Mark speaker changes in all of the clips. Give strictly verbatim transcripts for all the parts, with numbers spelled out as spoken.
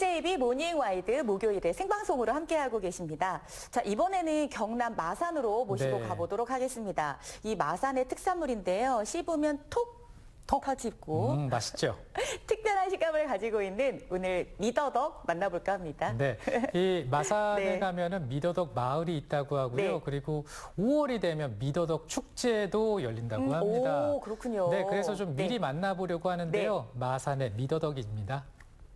Speaker 1: 케이제이비 모닝 와이드 목요일에 생방송으로 함께하고 계십니다. 자, 이번에는 경남 마산으로 모시고
Speaker 2: 네.
Speaker 1: 가보도록 하겠습니다. 이 마산의 특산물인데요. 씹으면 톡, 톡 터지고
Speaker 2: 음, 맛있죠?
Speaker 1: 특별한 식감을 가지고 있는 오늘 미더덕 만나볼까 합니다.
Speaker 2: 네. 이 마산에
Speaker 1: 네.
Speaker 2: 가면은 미더덕 마을이 있다고 하고요.
Speaker 1: 네.
Speaker 2: 그리고 오월이 되면 미더덕 축제도 열린다고
Speaker 1: 음,
Speaker 2: 합니다.
Speaker 1: 오, 그렇군요.
Speaker 2: 네, 그래서 좀 미리
Speaker 1: 네.
Speaker 2: 만나보려고 하는데요. 마산의 미더덕입니다.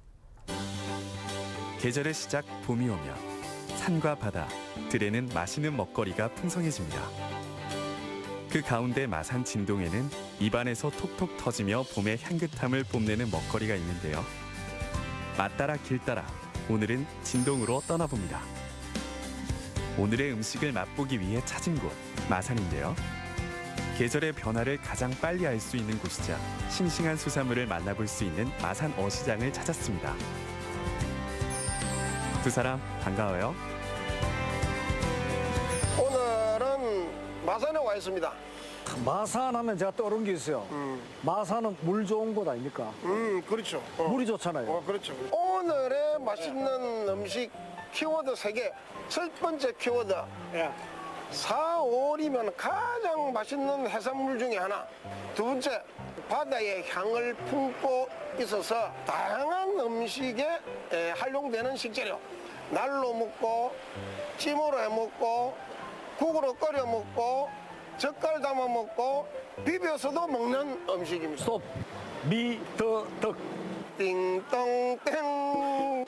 Speaker 3: 계절의 시작 봄이 오면 산과 바다, 들에는 맛있는 먹거리가 풍성해집니다. 그 가운데 마산 진동에는 입안에서 톡톡 터지며 봄의 향긋함을 뽐내는 먹거리가 있는데요. 맛 따라 길 따라 오늘은 진동으로 떠나봅니다. 오늘의 음식을 맛보기 위해 찾은 곳 마산인데요. 계절의 변화를 가장 빨리 알 수 있는 곳이자 싱싱한 수산물을 만나볼 수 있는 마산 어시장을 찾았습니다. 두 사람 반가워요.
Speaker 4: 오늘은 마산에 와 있습니다.
Speaker 5: 마산 하면 제가 떠오른 게 있어요.
Speaker 4: 음,
Speaker 5: 마산은 물 좋은 곳 아닙니까?
Speaker 4: 음 그렇죠. 어.
Speaker 5: 물이 좋잖아요.
Speaker 4: 어, 그렇죠. 오늘의 맛있는 음식 키워드 세 개. 첫 번째 키워드.
Speaker 5: 예.
Speaker 4: 사월이면 가장 맛있는 해산물 중에 하나. 두 번째, 바다의 향을 품고 있어서 다양한 음식에 에, 활용되는 식재료. 날로 먹고, 찜으로 해 먹고, 국으로 끓여 먹고, 젓갈 담아 먹고, 비벼서도 먹는 음식입니다.
Speaker 5: 스톱. 미더덕.
Speaker 4: 띵동땡.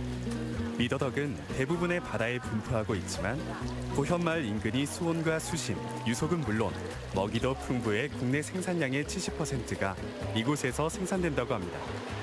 Speaker 3: 미더덕은 대부분의 바다에 분포하고 있지만 고현마을 인근이 수온과 수심, 유속은 물론 먹이도 풍부해 국내 생산량의 칠십 퍼센트가 이곳에서 생산된다고 합니다.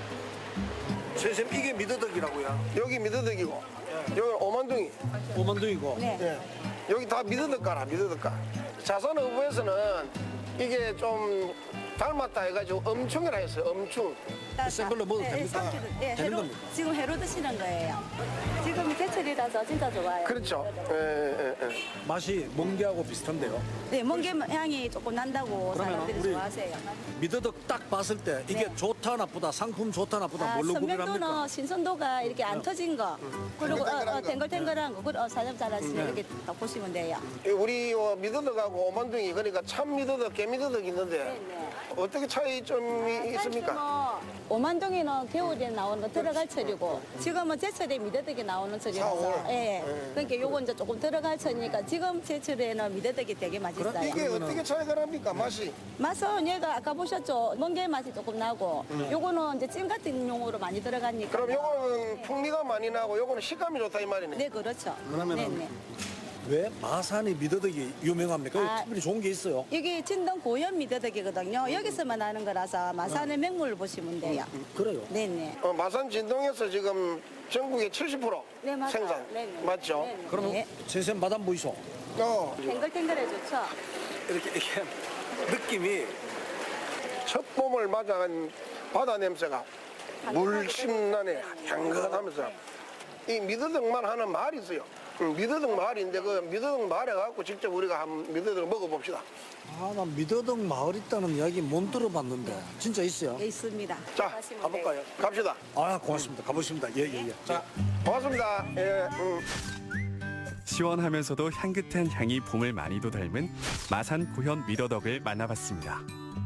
Speaker 5: 선생님 이게 미더덕이라고요?
Speaker 4: 여기 미더덕이고, 여기 오만둥이.
Speaker 5: 오만둥이고.
Speaker 4: 예. 여기 다 미더덕가라, 미더덕가. 자선어부에서는 이게 좀 닮았다 해가지고 엄충이라 했어요, 엄충.
Speaker 5: 센 걸로 먹어도 됩니까?
Speaker 6: 삼키도, 네,
Speaker 5: 되는
Speaker 6: 회로,
Speaker 5: 겁니까?
Speaker 6: 지금 회로 드시는 거예요. 지금 제철이라서 진짜 좋아요.
Speaker 4: 그렇죠. 예, 예, 예.
Speaker 5: 맛이 멍게하고 비슷한데요.
Speaker 6: 네, 멍게 향이 조금 난다고
Speaker 5: 그러면
Speaker 6: 사람들이
Speaker 5: 우리
Speaker 6: 좋아하세요.
Speaker 5: 미더덕 딱 봤을 때 이게
Speaker 6: 네.
Speaker 5: 좋다 나쁘다, 상품 좋다 나쁘다
Speaker 6: 아,
Speaker 5: 뭘로 구별합니까?
Speaker 6: 선명도는 신선도가 이렇게 안 터진 거, 그리고 어, 어, 탱글탱글한 거, 그 어, 사장 잘하시네
Speaker 5: 네.
Speaker 6: 이렇게 딱 보시면 돼요.
Speaker 4: 우리 요 미더덕하고 오만둥이, 그러니까 참 미더덕, 개미더덕 있는데
Speaker 6: 네.
Speaker 4: 어떻게 차이 좀 있습니까?
Speaker 6: 뭐 오만동이는 겨울에 나오는 들어갈 철이고 지금은 제철에 미더덕이 나오는 철이라서
Speaker 4: 사월.
Speaker 6: 예.
Speaker 4: 네.
Speaker 6: 그러니까 요건 이제 조금 들어갈 철이니까 지금 제철에는 미더덕이 되게
Speaker 4: 그럼
Speaker 6: 맛있어요.
Speaker 4: 이게 어떻게 차이가 납니까, 맛이?
Speaker 6: 맛은 얘가 아까 보셨죠? 멍게 맛이 조금 나고 요거는 이제 찜 같은 용으로 많이 들어가니까
Speaker 4: 그럼 요거는 풍미가 많이 나고 요거는 식감이 좋다 이 말이네.
Speaker 6: 네 그렇죠.
Speaker 5: 그러면은
Speaker 6: 네네.
Speaker 5: 왜 마산이 미더덕이 유명합니까?
Speaker 6: 아.
Speaker 5: 특별히 좋은 게 있어요.
Speaker 6: 이게 진동 고현 미더덕이거든요. 여기서만 나는 거라서 마산의 맹물을 보시면 돼요.
Speaker 5: 그래요.
Speaker 6: 네네.
Speaker 4: 어, 마산 진동에서 지금 전국의 칠십 퍼센트
Speaker 6: 네, 맞아요.
Speaker 4: 생산.
Speaker 6: 네네.
Speaker 4: 맞죠?
Speaker 6: 네네.
Speaker 5: 그러면
Speaker 6: 네.
Speaker 5: 선생님 맛 한번 보이소.
Speaker 4: 어.
Speaker 6: 탱글탱글해 좋죠.
Speaker 5: 이렇게 이렇게 느낌이
Speaker 4: 첫 봄을 맞아간 바다 냄새가 물심나네, 향긋하면서. 이 미더덕만 하는 마을이 있어요. 음, 미더덕 마을인데 그 미더덕 마을에 가고 직접 우리가 한번 미더덕을 먹어봅시다.
Speaker 5: 아, 난 미더덕 마을 있다는 이야기 못 들어봤는데 진짜 있어요?
Speaker 6: 예, 있습니다.
Speaker 4: 자,
Speaker 6: 가시면
Speaker 4: 가볼까요? 갑시다.
Speaker 5: 아, 고맙습니다. 가보십니다. 예, 예, 예.
Speaker 4: 자, 고맙습니다. 예, 음.
Speaker 3: 시원하면서도 향긋한 향이 봄을 많이도 닮은 마산 고현 미더덕을 만나봤습니다.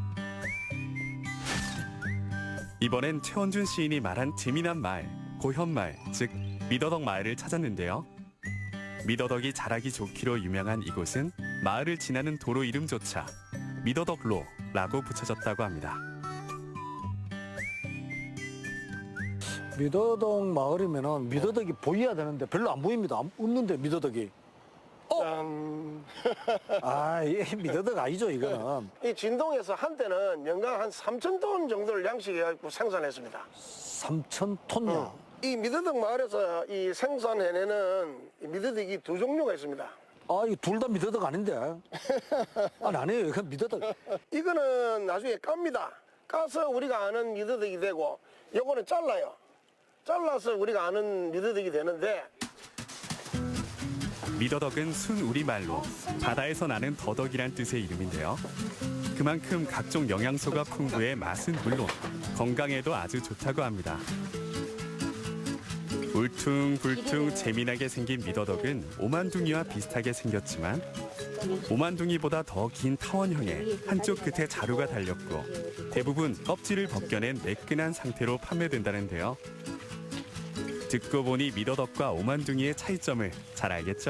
Speaker 3: 이번엔 최원준 시인이 말한 재미난 마을, 고현마을, 즉 미더덕 마을을 찾았는데요. 미더덕이 자라기 좋기로 유명한 이곳은 마을을 지나는 도로 이름조차 미더덕로라고 붙여졌다고 합니다.
Speaker 5: 미더덕 마을이면은 미더덕이 보여야 되는데 별로 안 보입니다. 안- 없는데 미더덕이.
Speaker 4: 짠.
Speaker 5: 아, 이 미더덕 아니죠 이거는.
Speaker 4: 이 진동에서 한때는 연간 한 삼천 톤 정도를 양식해가지고 생산했습니다.
Speaker 5: 삼천 톤이야.
Speaker 4: 이 미더덕 마을에서 이 생산해내는 이 미더덕이 두 종류가 있습니다.
Speaker 5: 아, 이 둘 다 미더덕 아닌데. 아니, 아니에요. 이건 미더덕.
Speaker 4: 이거는 나중에 깝니다. 까서 우리가 아는 미더덕이 되고, 요거는 잘라요. 잘라서 우리가 아는 미더덕이 되는데,
Speaker 3: 미더덕은 순 우리말로 바다에서 나는 더덕이란 뜻의 이름인데요. 그만큼 각종 영양소가 풍부해 맛은 물론 건강에도 아주 좋다고 합니다. 울퉁불퉁 재미나게 생긴 미더덕은 오만둥이와 비슷하게 생겼지만 오만둥이보다 더 긴 타원형에 한쪽 끝에 자루가 달렸고 대부분 껍질을 벗겨낸 매끈한 상태로 판매된다는데요. 듣고 보니 미더덕과 오만둥이의 차이점을 잘 알겠죠?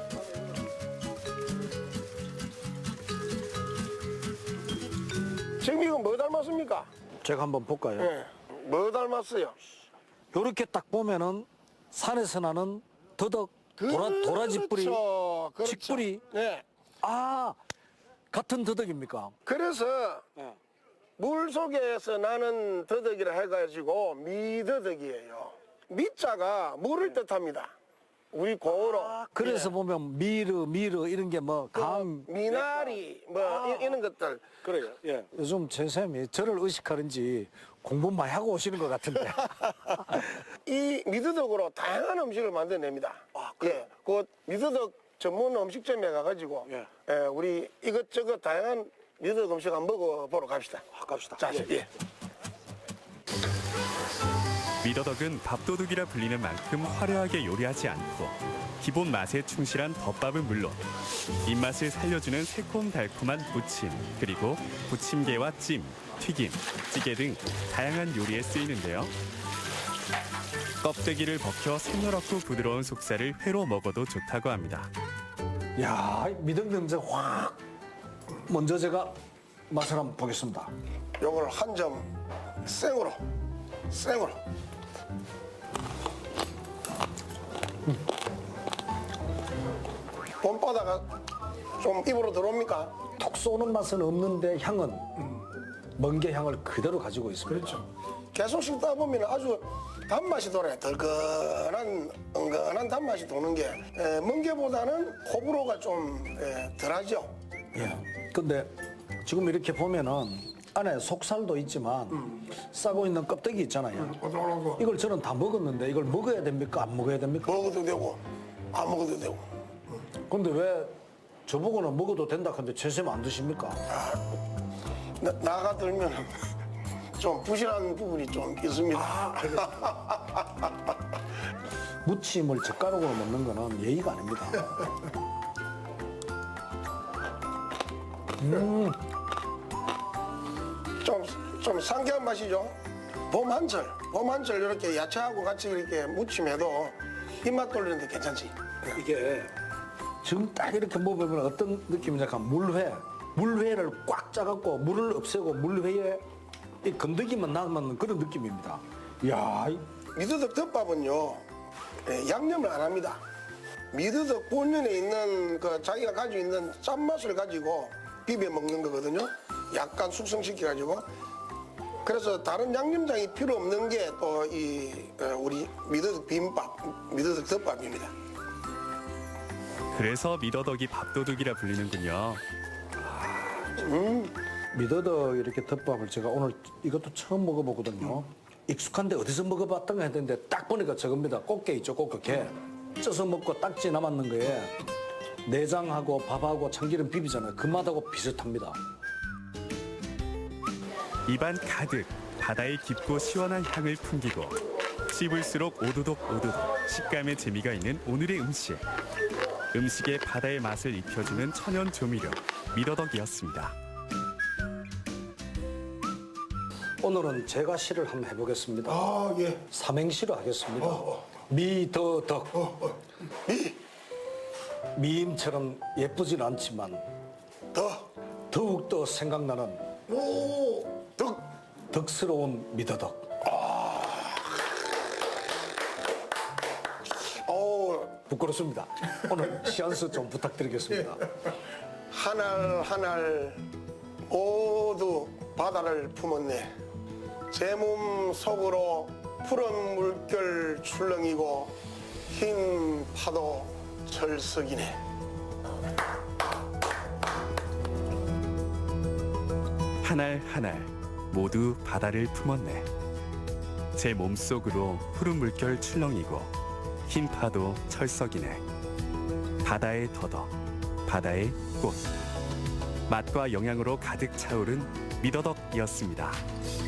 Speaker 4: 지금 이거 뭐 닮았습니까?
Speaker 5: 제가 한번 볼까요?
Speaker 4: 예. 뭐 닮았어요?
Speaker 5: 요렇게 딱 보면은 산에서 나는 더덕, 도라, 도라지 뿌리,
Speaker 4: 그렇죠. 그렇죠.
Speaker 5: 직뿌리.
Speaker 4: 네.
Speaker 5: 아, 같은 더덕입니까?
Speaker 4: 그래서
Speaker 5: 네.
Speaker 4: 물 속에서 나는 더덕이라 해가지고 미더덕이에요. 미자가 물을 뜻합니다. 우리 고어로.
Speaker 5: 그래서 보면 미르, 미르 이런 게 뭐 감.
Speaker 4: 미나리 뭐 이- 이런 것들.
Speaker 5: 그래요. 예. 요즘 제 쌤이 저를 의식하는지 공부 많이 하고 오시는 것 같은데.
Speaker 4: 이 미더덕으로 다양한 음식을 만들어냅니다. 아, 예. 그 미더덕 전문 음식점에 가가지고
Speaker 5: 예.
Speaker 4: 예, 우리 이것저것 다양한 미더덕 음식 한번 먹어보러 갑시다.
Speaker 5: 아, 갑시다.
Speaker 4: 자,
Speaker 5: 예.
Speaker 4: 예.
Speaker 3: 미더덕은 밥도둑이라 불리는 만큼 화려하게 요리하지 않고 기본 맛에 충실한 덮밥은 물론 입맛을 살려주는 새콤달콤한 부침 그리고 부침개와 찜, 튀김, 찌개 등 다양한 요리에 쓰이는데요. 껍데기를 벗겨 새노랗고 부드러운 속살을 회로 먹어도 좋다고 합니다.
Speaker 5: 야, 미덕 냄새 확. 먼저 제가 맛을 한번 보겠습니다.
Speaker 4: 요걸 한 점 생으로, 생으로. 봄바다가 좀 입으로 들어옵니까?
Speaker 5: 톡 쏘는 맛은 없는데 향은 멍게 향을 그대로 가지고 있습니다.
Speaker 4: 그렇죠. 계속 씹다 보면 아주 단맛이 돌아요. 덜건한, 은근한 단맛이 도는 게 에, 멍게보다는 호불호가 좀 에, 덜하죠.
Speaker 5: 예. 근데 지금 이렇게 보면은 안에 속살도 있지만 싸고 있는 껍데기 있잖아요. 이걸 저는 다 먹었는데 이걸 먹어야 됩니까? 안 먹어야 됩니까?
Speaker 4: 먹어도 되고 안 먹어도 되고.
Speaker 5: 근데 왜 저보고는 먹어도 된다 근데 최쌤 안 드십니까?
Speaker 4: 나, 나가 들면 좀 부실한 부분이 좀 있습니다.
Speaker 5: 무침을 젓가락으로 먹는 거는 예의가 아닙니다. 음,
Speaker 4: 좀, 좀 상쾌한 맛이죠. 봄 한철, 봄 한철 이렇게 야채하고 같이 이렇게 무침해도 입맛 돌리는데 괜찮지.
Speaker 5: 이게 지금 딱 이렇게 먹으면 어떤 느낌이냐 하면 물회, 물회를 꽉 짜갖고 물을 없애고 물회에 이 건더기만 남은 그런 느낌입니다. 이야, 이-
Speaker 4: 미더덕 덮밥은요, 예, 양념을 안 합니다. 미더덕 본연에 있는 그 자기가 가지고 있는 짠맛을 가지고 비벼 먹는 거거든요. 약간 숙성시켜가지고. 그래서 다른 양념장이 필요 없는 게 또 이 우리 미더덕 비빔밥, 미더덕 덮밥입니다.
Speaker 3: 그래서 미더덕이 밥도둑이라 불리는군요.
Speaker 5: 미더덕 이렇게 덮밥을 제가 오늘 이것도 처음 먹어보거든요. 익숙한데 어디서 먹어봤던가 했는데 딱 보니까 저겁니다. 꽃게 있죠, 꽃게. 쪄서 먹고 딱지 남았는 거에 내장하고 밥하고 참기름 비비잖아요. 그 맛하고 비슷합니다.
Speaker 3: 입안 가득 바다의 깊고 시원한 향을 풍기고 씹을수록 오도독 오도독 식감의 재미가 있는 오늘의 음식. 음식에 바다의 맛을 입혀주는 천연 조미료 미더덕이었습니다.
Speaker 5: 오늘은 제가 시를 한번 해보겠습니다.
Speaker 4: 아, 예.
Speaker 5: 삼행시로 하겠습니다. 미더덕.
Speaker 4: 미,
Speaker 5: 미임처럼 예쁘진 않지만
Speaker 4: 더,
Speaker 5: 더욱더 생각나는
Speaker 4: 오, 덕.
Speaker 5: 덕스러운 미더덕.
Speaker 4: 오,
Speaker 5: 부끄럽습니다. 오늘 시안수 좀 부탁드리겠습니다.
Speaker 4: 한 알 한 알 모두 바다를 품었네. 제 몸 속으로 푸른 물결 출렁이고 흰 파도 철석이네.
Speaker 3: 한 알 한 알 모두 바다를 품었네. 제 몸속으로 푸른 물결 출렁이고 흰 파도 철석이네. 바다의 더덕, 바다의 꽃. 맛과 영양으로 가득 차오른 미더덕이었습니다.